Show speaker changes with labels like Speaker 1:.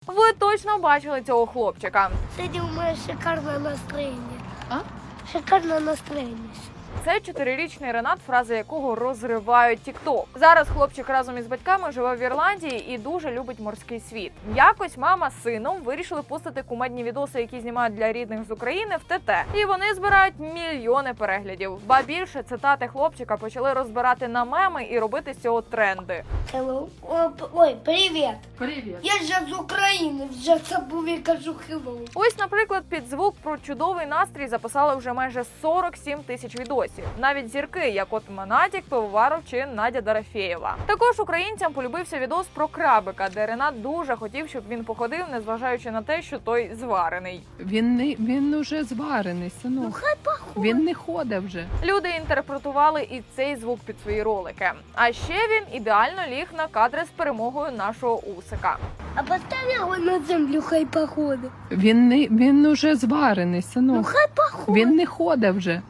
Speaker 1: Ви точно бачили цього хлопчика.
Speaker 2: Сегодня у меня шикарное настроение.
Speaker 3: А?
Speaker 2: Шикарное настроение.
Speaker 1: Це 4-річний Ренат, фрази якого розривають тік-ток. Зараз хлопчик разом із батьками живе в Ірландії і дуже любить морський світ. Якось мама з сином вирішили постити кумедні відоси, які знімають для рідних з України, в ТТ. І вони збирають мільйони переглядів. Ба більше, цитати хлопчика почали розбирати на меми і робити з цього тренди.
Speaker 2: Hello. Ой, привет.
Speaker 3: Привіт.
Speaker 2: Я же з України, вже забув і кажу hello.
Speaker 1: Ось, наприклад, під звук про чудовий настрій записали вже майже 47 тисяч відосів. Навіть зірки, як от Монатік, Пивоваров чи Надя Дорофєєва. Також українцям полюбився відос про крабика, де Ренат дуже хотів, щоб він походив, незважаючи на те, що той зварений.
Speaker 3: Він уже зварений, синок.
Speaker 2: Ну хай походить.
Speaker 3: Він не ходить вже.
Speaker 1: Люди інтерпретували і цей звук під свої ролики. А ще він ідеально ліг на кадри з перемогою нашого Усика.
Speaker 2: А постав його на землю, хай походить.
Speaker 3: Він уже зварений,
Speaker 2: Ну
Speaker 3: синок.
Speaker 2: хай походить.
Speaker 3: Він не ходить вже.